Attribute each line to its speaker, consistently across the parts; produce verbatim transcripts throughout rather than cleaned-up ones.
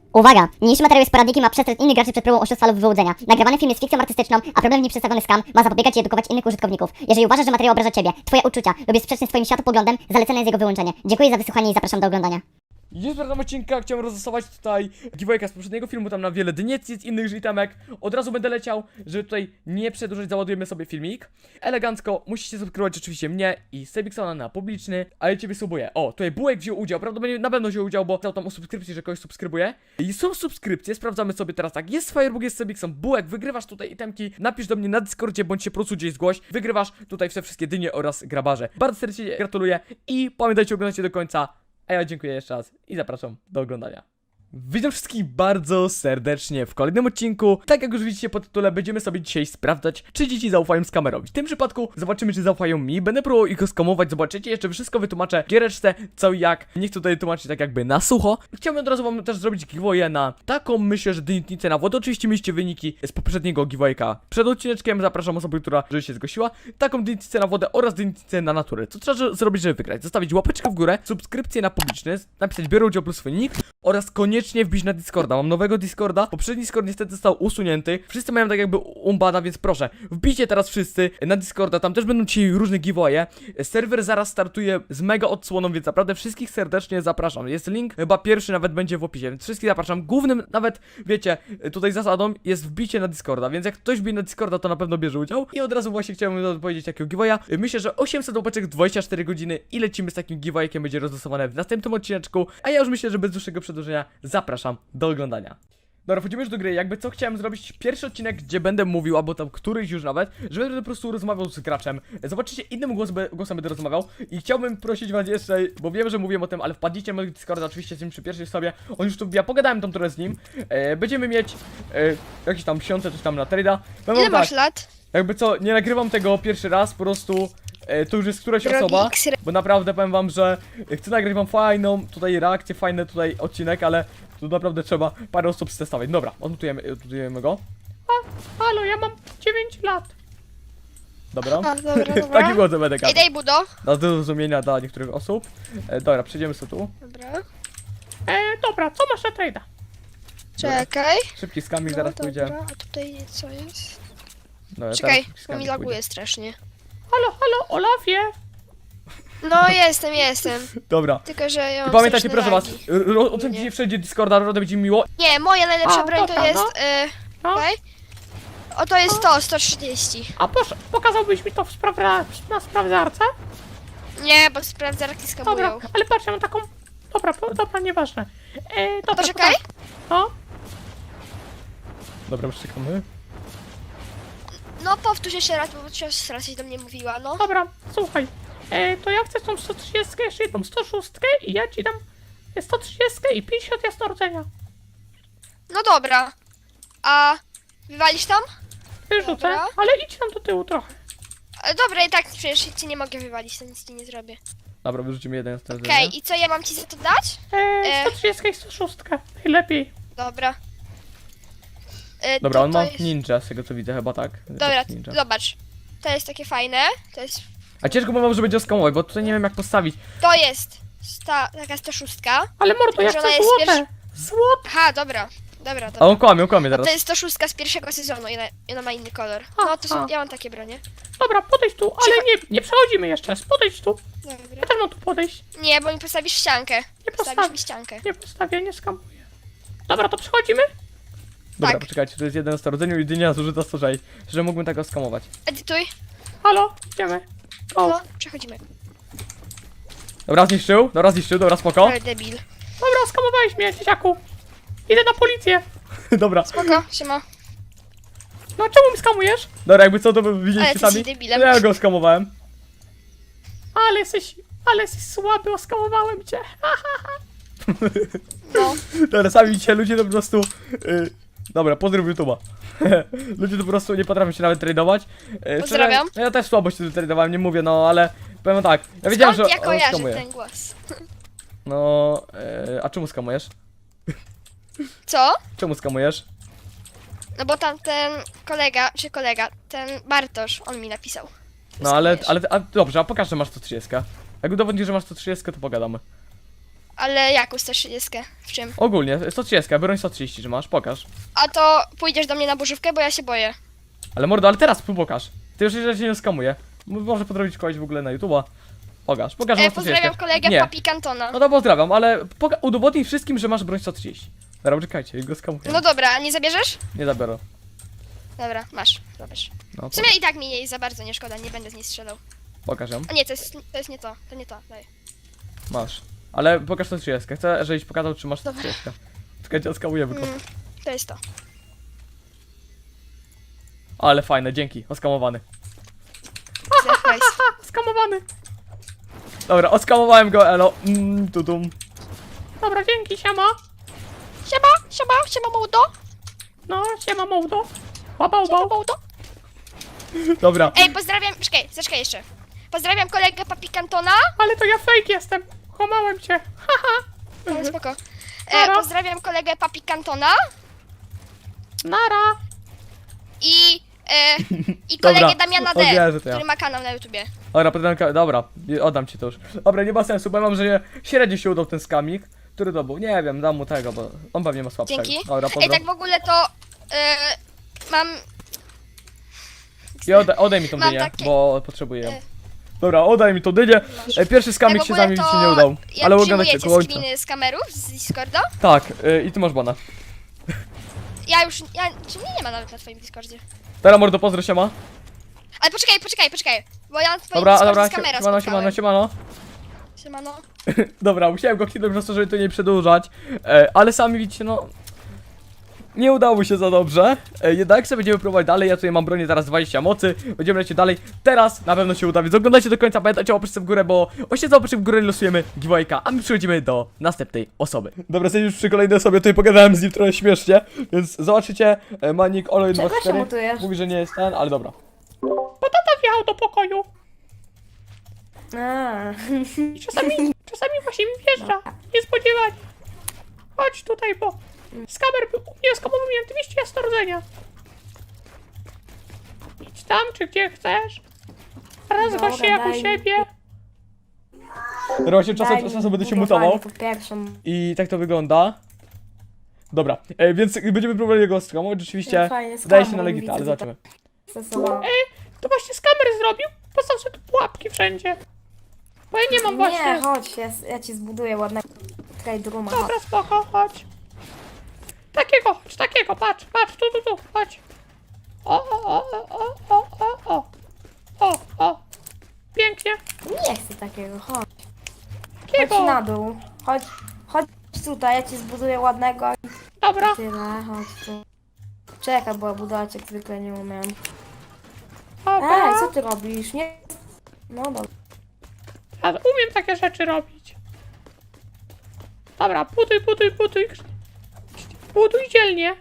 Speaker 1: Uwaga! Niniejszy materiał jest poradnikiem, a przestrzec innych graczy przed próbą oszustwa lub wyłudzenia. Nagrywany film jest fikcją artystyczną, a problem w nim przedstawiony skam ma zapobiegać i edukować innych użytkowników. Jeżeli uważasz, że materiał obraża Ciebie, Twoje uczucia lub jest sprzeczny z Twoim światopoglądem, zalecane jest jego wyłączenie. Dziękuję za wysłuchanie i zapraszam do oglądania.
Speaker 2: Jest w tym odcinka, chciałem rozlosować tutaj giveawayka z poprzedniego filmu, tam na wiele dyniec, innych itemek. Od razu będę leciał, żeby tutaj nie przedłużać, załadujemy sobie filmik. Elegancko, musicie subskrybować oczywiście mnie i Sebiksona na publiczny, a ja ciebie subuję. O, tutaj Bułek wziął udział, prawdopodobnie na pewno wziął udział, bo dał tam o subskrypcji, że kogoś subskrybuje. I są subskrypcje, sprawdzamy sobie teraz tak. Jest Firebug, jest Sebikson, Bułek, wygrywasz tutaj itemki, napisz do mnie na Discordzie, bądź się po prostu gdzieś zgłoś. Wygrywasz tutaj te wszystkie dynie oraz grabarze. Bardzo serdecznie gratuluję i pamiętajcie, oglądajcie do końca. A ja dziękuję jeszcze raz i zapraszam do oglądania. Witam wszystkich bardzo serdecznie w kolejnym odcinku. Tak jak już widzicie po tytule, będziemy sobie dzisiaj sprawdzać, czy dzieci zaufają skamerowi. W tym przypadku zobaczymy, czy zaufają mi. Będę próbował ich skamować, zobaczycie, jeszcze wszystko wytłumaczę w giereczce, co i jak. Nie chcę tutaj tłumaczyć tak jakby na sucho. Chciałbym od razu wam też zrobić giveaway na taką, myślę, że dynietnicę na wodę. Oczywiście mieliście wyniki z poprzedniego giveawayka przed odcineczkiem. Zapraszam osobę, która żeby się zgłosiła. Taką dynietnicę na wodę oraz dynietnicę na naturę. Co trzeba zrobić, żeby wygrać? Zostawić łapeczkę w górę, subskrypcję na publiczny, napisać biorę udział plus swój nick oraz koniecznie wbić na Discorda. Mam nowego Discorda. Poprzedni Discord niestety został usunięty. Wszyscy mają tak jakby umbana, więc proszę, wbijcie teraz wszyscy na Discorda. Tam też będą dzisiaj różne giveawaye. Serwer zaraz startuje z mega odsłoną, więc naprawdę wszystkich serdecznie zapraszam. Jest link, chyba pierwszy nawet będzie w opisie, więc wszystkich zapraszam. Głównym nawet, wiecie, tutaj zasadą jest wbicie na Discorda, więc jak ktoś wbije na Discorda, to na pewno bierze udział. I od razu właśnie chciałem powiedzieć takiego giveawaya. Myślę, że osiemset łapeczek, dwadzieścia cztery godziny i lecimy z takim giveawaykiem, będzie rozlosowane w następnym odcineczku. A ja już myślę, że bez dłuższego przedłużenia zapraszam do oglądania. Dobra, wchodzimy już do gry. Jakby co chciałem zrobić pierwszy odcinek, gdzie będę mówił, albo tam któryś już nawet, że będę po prostu rozmawiał z graczem. Zobaczycie, innym głos, głosem będę rozmawiał. I chciałbym prosić was jeszcze, bo wiem, że mówiłem o tym, ale wpadnijcie na mojego Discorda, oczywiście z nim przy pierwszej sobie. On już tu wbija, pogadałem tam trochę z nim. e, Będziemy mieć e, jakieś tam miesiące, coś tam na trade'a.
Speaker 3: Ile
Speaker 2: tak,
Speaker 3: masz lat?
Speaker 2: jakby co, nie nagrywam tego pierwszy raz, po prostu e, to już jest któraś
Speaker 3: Drogi
Speaker 2: osoba.
Speaker 3: X-ray.
Speaker 2: Bo naprawdę powiem wam, że chcę nagrać wam fajną tutaj reakcję, fajny tutaj odcinek, ale tu naprawdę trzeba parę osób stestować. Dobra, odmutujemy, odmutujemy go. A, halo, ja mam dziewięć lat. Dobra.
Speaker 3: A, dobra, dobra.
Speaker 2: Taki głos będę
Speaker 3: Ej,
Speaker 2: gadał.
Speaker 3: daj budo.
Speaker 2: Na zrozumienia dla niektórych osób. E, dobra, przejdziemy sobie tu.
Speaker 3: Dobra.
Speaker 2: E, dobra, co masz na trade'a?
Speaker 3: Czekaj.
Speaker 2: Szybki skamik
Speaker 3: No,
Speaker 2: zaraz
Speaker 3: dobra.
Speaker 2: pójdzie.
Speaker 3: A tutaj co jest?
Speaker 2: Dobra,
Speaker 3: Czekaj,
Speaker 2: teraz szybki
Speaker 3: bo
Speaker 2: skamik
Speaker 3: mi laguje
Speaker 2: pójdzie.
Speaker 3: strasznie.
Speaker 2: Halo, halo, Olafie.
Speaker 3: No jestem, jestem.
Speaker 2: Dobra.
Speaker 3: Tylko, że ja
Speaker 2: I
Speaker 3: mam
Speaker 2: pamiętajcie,
Speaker 3: straszne
Speaker 2: proszę was,
Speaker 3: lagi.
Speaker 2: r- r- ocencie wszędzie Discorda, naprawdę będzie mi miło.
Speaker 3: Nie, moja najlepsza
Speaker 2: A,
Speaker 3: broń
Speaker 2: dobra,
Speaker 3: to jest...
Speaker 2: no.
Speaker 3: Y,
Speaker 2: No.
Speaker 3: okej? O, to jest to, sto trzydzieści.
Speaker 2: A proszę, pokazałbyś mi to w sprawdza na sprawdzarce?
Speaker 3: Nie, bo sprawdzarki skamują.
Speaker 2: ale patrz, ja mam taką... Dobra, po, dobra, nieważne. E, dobra,
Speaker 3: Poczekaj.
Speaker 2: No. Dobra, czekamy.
Speaker 3: No powtórz jeszcze raz, bo cios raz do mnie mówiła, no.
Speaker 4: Dobra, słuchaj, e, to ja chcę tą sto trzydzieści, jeszcze jedną sto sześć i ja ci dam sto trzydzieści i pięćdziesiąt jasnorodzenia.
Speaker 3: No dobra. A wywalisz tam?
Speaker 4: Wyrzucę,
Speaker 3: Dobra.
Speaker 4: ale idź tam do tyłu trochę.
Speaker 3: E, Dobra, i tak przecież ci nie mogę wywalić, to nic ci nie zrobię.
Speaker 2: Dobra, wyrzucimy jeden z tego.
Speaker 3: Okej, i co ja mam ci za to dać?
Speaker 4: E,
Speaker 3: E.
Speaker 4: sto trzydzieści i sto sześć, najlepiej.
Speaker 3: Dobra. E,
Speaker 2: Dobra,
Speaker 3: to,
Speaker 2: on
Speaker 3: to
Speaker 2: ma
Speaker 3: jest...
Speaker 2: ninja, z tego co widzę, chyba tak.
Speaker 3: Dobra,
Speaker 2: Ninja.
Speaker 3: zobacz. To jest takie fajne. To jest.
Speaker 2: A ciężko bo mam, że będzie oskamować, bo tutaj nie wiem jak postawić.
Speaker 3: To jest. Sta, taka sto sześć.
Speaker 4: Ale mordo, ja
Speaker 3: Że
Speaker 4: chcę
Speaker 3: ona jest
Speaker 4: złote. Złote.
Speaker 3: Aha, dobra. Dobra,
Speaker 2: A
Speaker 3: dobra.
Speaker 2: on kłamie, on kłamie
Speaker 3: No
Speaker 2: teraz.
Speaker 3: to jest sto sześć z pierwszego sezonu i ona, i ona ma inny kolor. No to są,
Speaker 4: Aha.
Speaker 3: ja mam takie bronie.
Speaker 4: Dobra, podejdź tu, ale nie, nie przechodzimy jeszcze raz. Podejdź tu.
Speaker 3: Dobra.
Speaker 4: Ja też mam tu podejść.
Speaker 3: Nie, bo mi postawisz ściankę.
Speaker 4: Nie
Speaker 3: Postawisz
Speaker 4: postawię.
Speaker 3: mi ściankę.
Speaker 4: Nie postawię, nie skamuję. Dobra, to przechodzimy?
Speaker 2: Dobra,
Speaker 3: tak.
Speaker 2: poczekajcie, to jest jeden z rodzeniu i dynia zużyta sto sześć, że mógłbym tego skamować.
Speaker 3: Edytuj.
Speaker 4: Halo, idziemy. O,
Speaker 3: No, przechodzimy.
Speaker 2: Dobra, zniszczył, dobra, zniszczył, dobra, spoko.
Speaker 3: Ale debil.
Speaker 4: dobra, skamowałeś mnie, dzieciaku. Idę na policję.
Speaker 2: Dobra,
Speaker 3: Spoko, siema.
Speaker 4: No czemu mi skamujesz?
Speaker 2: dobra, jakby co to by
Speaker 3: Ale
Speaker 2: widzieliście
Speaker 3: ty
Speaker 2: sami.
Speaker 3: jesteś debilem.
Speaker 2: Ja go skamowałem.
Speaker 4: Ale jesteś, ale jesteś słaby, oskamowałem cię.
Speaker 3: No.
Speaker 2: Dobra, sami widzicie, ludzie to po prostu... Yy, dobra, pozdrów YouTube'a. Ludzie to po prostu nie potrafią się nawet tradować. Yy,
Speaker 3: Pozdrawiam.
Speaker 2: szczerze, ja też słabo się tradowałem, nie mówię, no ale... Powiem tak, ja wiedziałem,
Speaker 3: Skąd
Speaker 2: że
Speaker 3: ja
Speaker 2: on
Speaker 3: kojarzę
Speaker 2: skamuje.
Speaker 3: ten głos?
Speaker 2: No, yy, a czemu skamujesz?
Speaker 3: Co?
Speaker 2: Czemu skamujesz?
Speaker 3: No bo tam ten kolega, czy kolega, ten Bartosz, on mi napisał.
Speaker 2: No ale,
Speaker 3: Skamujesz.
Speaker 2: ale, a, dobrze, a pokaż, że masz sto trzydzieści. Jak udowodnisz, że masz sto trzydzieści, to pogadamy.
Speaker 3: Ale jaką sto trzydzieści? W czym?
Speaker 2: Ogólnie, sto trzydzieści, broń sto trzydzieści, że masz, pokaż.
Speaker 3: A to pójdziesz do mnie na burzówkę, bo ja się boję.
Speaker 2: Ale mordo, ale teraz pokaż. Ty już że cię nie skamuje. M- Może podrobić kogoś w ogóle na YouTube'a. Pokaż, pokaż, że
Speaker 3: E,
Speaker 2: masz sto
Speaker 3: pozdrawiam
Speaker 2: trzydzieści.
Speaker 3: kolegę
Speaker 2: Nie.
Speaker 3: Papi Cantona.
Speaker 2: No to pozdrawiam, ale poka- udowodnij wszystkim, że masz broń sto trzydzieści. Dobra, czekajcie, go skamuję.
Speaker 3: No dobra, a nie zabierzesz?
Speaker 2: Nie zabiorę.
Speaker 3: Dobra, masz, zabierz.
Speaker 2: No,
Speaker 3: W sumie i tak mi jej za bardzo nie szkoda, nie będę z niej strzelał.
Speaker 2: pokaż ją.
Speaker 3: A nie, to jest, to jest nie to, to nie to, daj.
Speaker 2: Masz. Ale pokaż sto trzydzieści. Chcę, żebyś pokazał, czy masz sto trzydzieści. Czekajcie, oskamujemy go.
Speaker 3: Mm, to jest to.
Speaker 2: Ale fajne, dzięki. Oskamowany.
Speaker 3: Nice.
Speaker 2: Skamowany. Dobra, oskamowałem go, elo. Mm, tudum.
Speaker 4: Dobra, dzięki, siema.
Speaker 3: Siema, siema, siema Mołdo.
Speaker 4: No, siema Mołdo. Baba,
Speaker 3: Siema
Speaker 4: baba.
Speaker 3: Mołdo.
Speaker 2: Dobra.
Speaker 3: Ej, pozdrawiam, czekaj, zaczekaj jeszcze. Pozdrawiam kolegę Papi Cantona.
Speaker 4: Ale to ja fake jestem. Kłamałem cię. Haha.
Speaker 3: No, spoko. E,
Speaker 4: Nara.
Speaker 3: pozdrawiam kolegę Papi Cantona
Speaker 4: Nara.
Speaker 3: i, e, i
Speaker 2: Dobra,
Speaker 3: kolegę Damiana D,
Speaker 2: odwierzę to ja.
Speaker 3: który ma kanał na YouTubie.
Speaker 2: Dobra, podręka, dobra, oddam ci to już. Dobra, nie ma sensu, bo ja mam, że nie- średnio się udał ten skamik. Który to był? Nie wiem, dam mu tego, bo on pewnie ma słabszego.
Speaker 3: Dzięki.
Speaker 2: Dobra,
Speaker 3: Ej,
Speaker 2: pozdro.
Speaker 3: tak w ogóle to e, mam...
Speaker 2: I oddaj, oddaj mi tą
Speaker 3: mam
Speaker 2: dynię,
Speaker 3: takie-
Speaker 2: bo potrzebuję ją.
Speaker 3: e,
Speaker 2: Dobra, oddaj mi tą dynię. E, Pierwszy skamik
Speaker 3: tak w
Speaker 2: się z
Speaker 3: ogóle
Speaker 2: nami
Speaker 3: to
Speaker 2: się nie udał.
Speaker 3: jak
Speaker 2: Ale oglądajcie
Speaker 3: przyjmujecie
Speaker 2: koło ojca.
Speaker 3: screeny z kamerów z Discorda?
Speaker 2: Tak, e, i ty masz bana.
Speaker 3: Ja już, ja, czy mnie nie ma nawet na twoim Discordzie.
Speaker 2: Teraz mordo, pozdro się ma.
Speaker 3: Ale poczekaj, poczekaj, poczekaj, bo ja na twoim
Speaker 2: Dobra,
Speaker 3: Discordzie
Speaker 2: dobra,
Speaker 3: z kamera
Speaker 2: siemano, siemano, siemano.
Speaker 3: Siemano.
Speaker 2: Dobra, musiałem go kliknąć po prostu, żeby to nie przedłużać. E, ale sami widzicie, no... Nie udało się za dobrze. E, jednak sobie będziemy próbować dalej. Ja tutaj mam bronię teraz dwadzieścia mocy. Będziemy lecieć dalej. Teraz na pewno się uda, więc oglądajcie do końca. Pamiętajcie o łapeczce w górę, bo właśnie za łapeczkę w górę losujemy giveawayka, a my przechodzimy do następnej osoby. Dobra, jesteśmy już przy kolejnej osobie. Tutaj pogadałem z nim trochę śmiesznie, więc zobaczycie. E, Manik Olo jeden dwa cztery
Speaker 5: mutujesz?
Speaker 2: mówi, że nie jest ten, ale dobra.
Speaker 4: Bo tata wjechał do pokoju.
Speaker 5: A,
Speaker 4: I czasami, czasami właśnie mi wjeżdża. Niespodziewanie. Chodź tutaj, bo z kamer był u mnie skamowałem dwieście jasno rdzenia. Idź tam, czy gdzie chcesz. Raz go
Speaker 5: Dobra,
Speaker 4: się jak u
Speaker 5: daj.
Speaker 4: siebie.
Speaker 2: Dobra, właśnie czasem,
Speaker 5: daj mi
Speaker 2: czasem będę się
Speaker 5: budowanie
Speaker 2: mutował.
Speaker 5: po pierwszą.
Speaker 2: I tak to wygląda. Dobra, e, więc będziemy próbowali go skamować. Rzeczywiście
Speaker 5: Fajnie,
Speaker 2: zdaje się
Speaker 5: skamuj,
Speaker 2: na legita,
Speaker 5: widzę,
Speaker 2: ale
Speaker 5: że
Speaker 2: zobaczymy.
Speaker 5: Stosował.
Speaker 4: To właśnie z kamery zrobił. Postaw sobie tu pułapki wszędzie. Bo ja nie mam właśnie.
Speaker 5: Nie, chodź, ja, ja ci zbuduję ładnego trade-rooma. chodź.
Speaker 4: Dobra, spoko, chodź. Takiego, chodź, takiego, patrz, patrz, tu, tu, tu, chodź. O, o, o, o, o, o, o, o, o. Pięknie.
Speaker 5: Nie chcę takiego, chodź. Chodź
Speaker 4: Takiego.
Speaker 5: na dół. Chodź, chodź tutaj, ja ci zbuduję ładnego i
Speaker 4: Dobra,
Speaker 5: tyle, chodź tu. Czekaj, bo ja budować jak zwykle nie umiem. Ej,
Speaker 4: dobra.
Speaker 5: co ty robisz? Nie... No dobra.
Speaker 4: Ja umiem takie rzeczy robić. Dobra, buduj, buduj, buduj. Buduj dzielnie.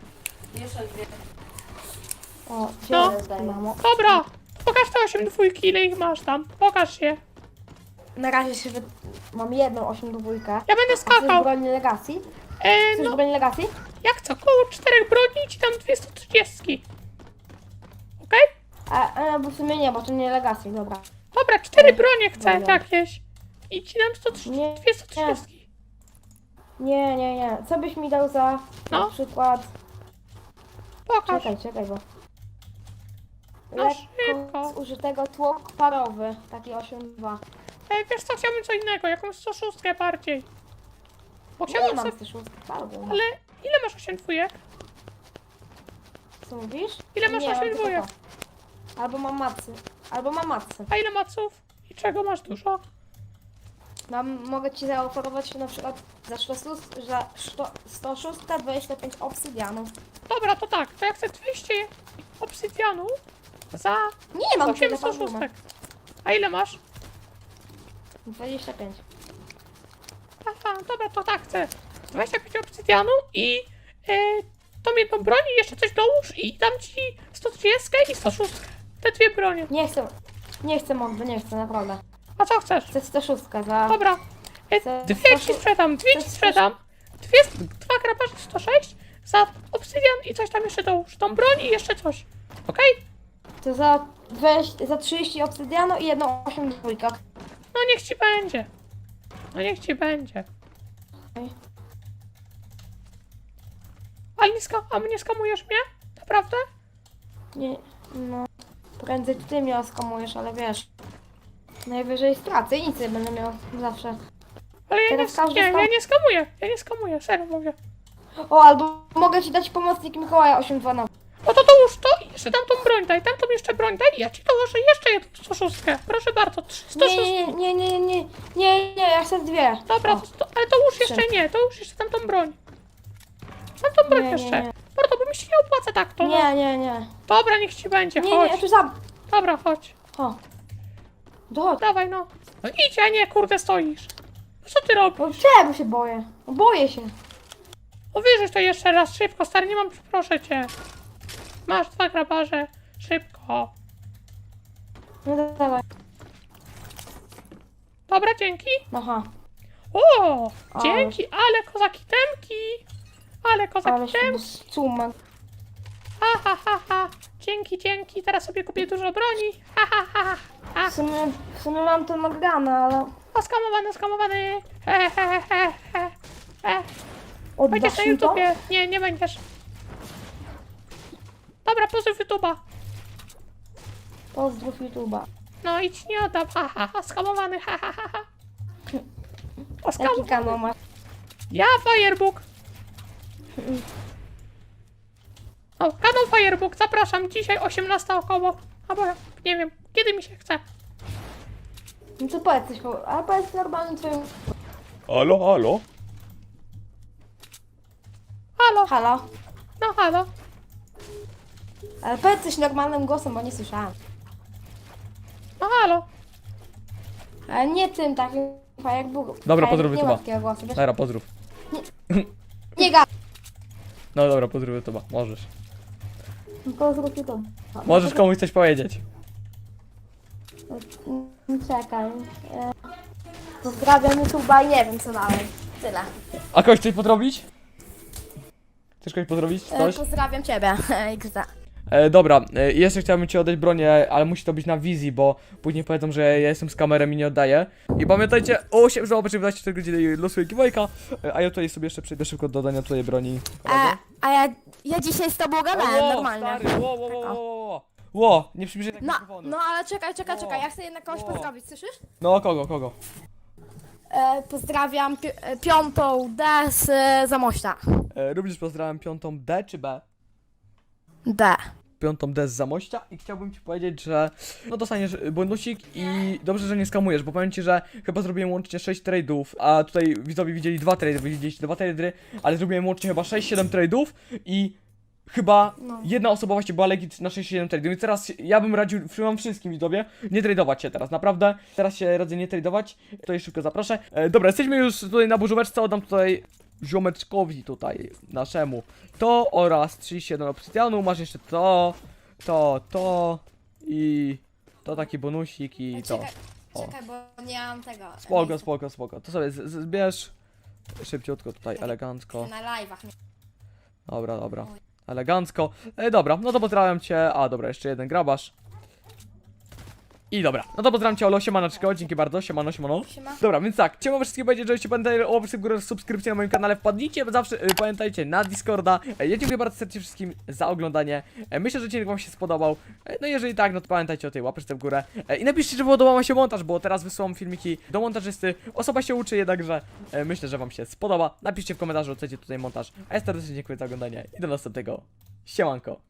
Speaker 5: O,
Speaker 4: No.
Speaker 5: dziękuję, mamo.
Speaker 4: Dobra, pokaż te osiem dwójki, ile ich masz tam. Pokaż je.
Speaker 5: Na razie się wy... mam jedną osiem dwójkę.
Speaker 4: Ja będę
Speaker 5: Chcesz
Speaker 4: skakał.
Speaker 5: broń legacji?
Speaker 4: E,
Speaker 5: Chcesz
Speaker 4: no,
Speaker 5: broń legacji?
Speaker 4: ja chcę około czterech broni i ci dam dwieście trzydzieści. Okej?
Speaker 5: A, a, bo w sumie nie, bo to nie legacji, dobra.
Speaker 4: Dobra, cztery bronie chcę
Speaker 5: Dobra.
Speaker 4: jakieś. I ci dam sto trzydzieści,
Speaker 5: Nie,
Speaker 4: dwieście trzydzieści.
Speaker 5: Nie, nie, nie. Co byś mi dał za
Speaker 4: No.
Speaker 5: na przykład...
Speaker 4: Pokaż.
Speaker 5: Czekaj, czekaj, bo...
Speaker 4: No
Speaker 5: Lekko
Speaker 4: szybko.
Speaker 5: zużytego tłok parowy, taki osiem dwa.
Speaker 4: E, wiesz co, chciałbym co innego, jakąś sto sześć bardziej. Bo
Speaker 5: Nie
Speaker 4: chciałbym
Speaker 5: mam
Speaker 4: sobie...
Speaker 5: też parowy.
Speaker 4: Ale ile masz osiem dwójek?
Speaker 5: Co mówisz?
Speaker 4: Ile masz
Speaker 5: Nie,
Speaker 4: osiem
Speaker 5: mam tylko
Speaker 4: dwójek?
Speaker 5: to. Albo mam macy. Albo mam macy.
Speaker 4: A ile maców? I czego masz dużo?
Speaker 5: Mam, mogę ci zaoferować na przykład za sto sześć dwadzieścia pięć obsydianów.
Speaker 4: Dobra, to tak, to ja chcę dwieście obsydianu za
Speaker 5: Nie mam
Speaker 4: osiem
Speaker 5: tyle
Speaker 4: sto sześć.
Speaker 5: parowy.
Speaker 4: A ile masz?
Speaker 5: dwadzieścia pięć.
Speaker 4: Aha, dobra, to tak, chcę dwadzieścia pięć obsydianu i e, tą jedną broń i jeszcze coś dołóż i dam ci sto trzydzieści i sto sześć. Te dwie bronie.
Speaker 5: Nie chcę. Nie chcę mordy, nie chcę, naprawdę.
Speaker 4: A co chcesz?
Speaker 5: Chcę sto sześć za...
Speaker 4: Dobra, e,
Speaker 5: Chcę
Speaker 4: dwie ci
Speaker 5: sto-
Speaker 4: sprzedam, dwie ci
Speaker 5: sto-
Speaker 4: sprzedam. Dwie, dwa grabarze sto sześć za obsydian i coś tam jeszcze dołóż. Tą broń i jeszcze coś. Okej?
Speaker 5: To za, dwadzieścia, za trzydzieści obsydianu i jedną osiem dwójkę.
Speaker 4: No niech ci będzie. No niech ci będzie. Ale nie skam... A mnie skamujesz mnie? Naprawdę?
Speaker 5: Nie, no. Prędzej ty mnie oskamujesz, ale wiesz. Najwyżej stracę i nic nie będę miał zawsze.
Speaker 4: Ale ja nie,
Speaker 5: Teraz każdy
Speaker 4: nie,
Speaker 5: skam-
Speaker 4: ja nie skamuję, ja nie skamuję, serio mówię.
Speaker 5: O, albo mogę ci dać pomocnik Mikołaja osiem dwa nowe.
Speaker 4: No to dołóż to i jeszcze tamtą broń daj, tamtą jeszcze broń daj i ja ci dołożę jeszcze jedną sto szóst. Proszę bardzo, sto szóst.
Speaker 5: Nie, nie, nie, nie, nie, nie, nie, ja chcę dwie.
Speaker 4: Dobra,
Speaker 5: O,
Speaker 4: to, to, ale dołóż jeszcze
Speaker 5: trzy.
Speaker 4: nie, dołóż jeszcze tamtą broń. Tamtą broń
Speaker 5: Nie, nie,
Speaker 4: jeszcze.
Speaker 5: nie.
Speaker 4: Mordo, bo mi się nie opłaca tak to. No.
Speaker 5: Nie, nie, nie.
Speaker 4: Dobra, niech ci będzie,
Speaker 5: Nie, nie,
Speaker 4: chodź.
Speaker 5: ja tu sam.
Speaker 4: Dobra, chodź.
Speaker 5: O. Dochodź.
Speaker 4: Dawaj no. No idź, a nie, kurde, stoisz. No co ty robisz?
Speaker 5: No czego się boję? No boję się.
Speaker 4: No wyrzuć to jeszcze raz, szybko, stary, nie mam, proszę cię. Masz dwa grabarze, szybko.
Speaker 5: No dawaj.
Speaker 4: Dobra, dzięki.
Speaker 5: Aha.
Speaker 4: O,
Speaker 5: Ale-
Speaker 4: dzięki, ale kozaki temki. Ale
Speaker 5: Ale
Speaker 4: kozaki
Speaker 5: się
Speaker 4: temki.
Speaker 5: suma.
Speaker 4: Ha, ha, ha, ha. Dzięki, dzięki, teraz sobie kupię dużo broni. Ha, ha, ha, ha.
Speaker 5: W sumie, w sumie mam to nagrane, ale
Speaker 4: O, skamowany, skamowany. He, he, he, he, he. Będziesz
Speaker 5: oddasz
Speaker 4: na
Speaker 5: mi to?
Speaker 4: YouTubie. Nie, nie będziesz. Dobra, pozdrów YouTube'a.
Speaker 5: Pozdrów YouTube'a.
Speaker 4: No idź, nie oddam. Ha, ha, ha, skamowany, ha, ha, ha, ha. O,
Speaker 5: Jaki
Speaker 4: skamowany.
Speaker 5: kanał masz?
Speaker 4: Ja, Firebook. O, kanał Firebook, zapraszam, dzisiaj osiemnasta około. Albo, nie wiem, kiedy mi się chce.
Speaker 5: No to powiedz coś, po- a powiedz normalnym twoim...
Speaker 2: Halo, halo?
Speaker 4: Halo,
Speaker 5: Halo?
Speaker 4: no halo.
Speaker 5: Ale powiedz coś normalnym głosem, bo nie słyszałam.
Speaker 4: No halo.
Speaker 5: Ale nie tym takim, jak Bóg.
Speaker 2: Dobra,
Speaker 5: Ja
Speaker 2: pozdrów
Speaker 5: Nie
Speaker 2: YouTube'a.
Speaker 5: ma takiego głosu, wiesz?
Speaker 2: Dobra, pozdrów.
Speaker 5: Nie gada.
Speaker 2: No dobra, pozdrów YouTube'a, możesz.
Speaker 5: Pozdrów YouTube.
Speaker 2: Możesz komuś coś powiedzieć.
Speaker 5: Mm, Czekaj. E, Pozdrawiam YouTube'a i nie wiem co dalej. Tyle.
Speaker 2: A kogoś coś podrobić? Chcesz kogoś podrobić?
Speaker 5: E,
Speaker 2: Coś?
Speaker 5: pozdrawiam ciebie. X D.
Speaker 2: E, dobra, e, jeszcze chciałbym ci oddać bronię, ale musi to być na wizji, bo później powiedzą, że ja jestem z kamerą i nie oddaję. I pamiętajcie, o osiem, że obecnie dwadzieścia cztery godziny losuję giveawayka, e, a ja tutaj sobie jeszcze przejdę szybko do dodania twojej broni.
Speaker 6: A, a ja, ja dzisiaj z tobą gadałem
Speaker 2: Ło,
Speaker 6: normalnie.
Speaker 2: stary, ło, ło, ło, ło, ło. Ło, nie przybliżaj tak
Speaker 6: No,
Speaker 2: mikrofonu.
Speaker 6: no ale czekaj, czekaj,
Speaker 2: O.
Speaker 6: czekaj, ja chcę jednak kogoś
Speaker 2: O.
Speaker 6: pozdrowić, słyszysz?
Speaker 2: No, kogo, kogo?
Speaker 6: E, pozdrawiam pi e, piątą D z e, Zamościa.
Speaker 2: E, również pozdrawiam piątą D czy B?
Speaker 6: D.
Speaker 2: Piątą D z Zamościa i chciałbym ci powiedzieć, że no dostaniesz bonusik i dobrze, że nie skamujesz, bo powiem ci, że chyba zrobiłem łącznie sześć trade'ów, a tutaj widzowie widzieli dwa trade'y, wy widzieliście dwa trade'y, ale zrobiłem łącznie chyba sześć siedem trade'ów i chyba jedna osoba właśnie była legit na sześć siedem trade'ów, więc teraz ja bym radził wam wszystkim widzowie nie trade'ować się teraz, naprawdę, teraz się radzę nie trade'ować, tutaj szybko zaproszę. E, dobra, jesteśmy już tutaj na burzóweczce, oddam tutaj ziomeczkowi tutaj, naszemu, to oraz trzydzieści jeden obsydianu, masz jeszcze to, to, to i to taki bonusik i to.
Speaker 6: Czekaj,
Speaker 2: O.
Speaker 6: czekaj, bo nie mam tego.
Speaker 2: Spoko, spoko, spoko, to sobie z- z- zbierz szybciutko tutaj, elegancko.
Speaker 6: Na live'ach. nie-
Speaker 2: Dobra, dobra. Elegancko. E, dobra, no to pozdrawiam cię. A, dobra, jeszcze jeden grabarz. I dobra, no to pozdrawiam cię, Olo, siemanaczko, dzięki bardzo, siemano, siemano.
Speaker 6: Siema.
Speaker 2: Dobra, więc tak, chciałbym wszystkim powiedzieć, żebyście pamiętali o łapce w górę, subskrypcji na moim kanale, wpadnijcie zawsze, y, pamiętajcie, na Discorda. E, ja dziękuję bardzo serdecznie wszystkim za oglądanie. E, myślę, że odcinek wam się spodobał. E, no jeżeli tak, no to pamiętajcie o tej łapce w górę. E, I napiszcie, że podobał wam się montaż, bo teraz wysyłam filmiki do montażysty. Osoba się uczy, jednakże e, myślę, że wam się spodoba. Napiszcie w komentarzu, chcecie tutaj montaż. A ja serdecznie dziękuję za oglądanie i do następnego. Siemanko.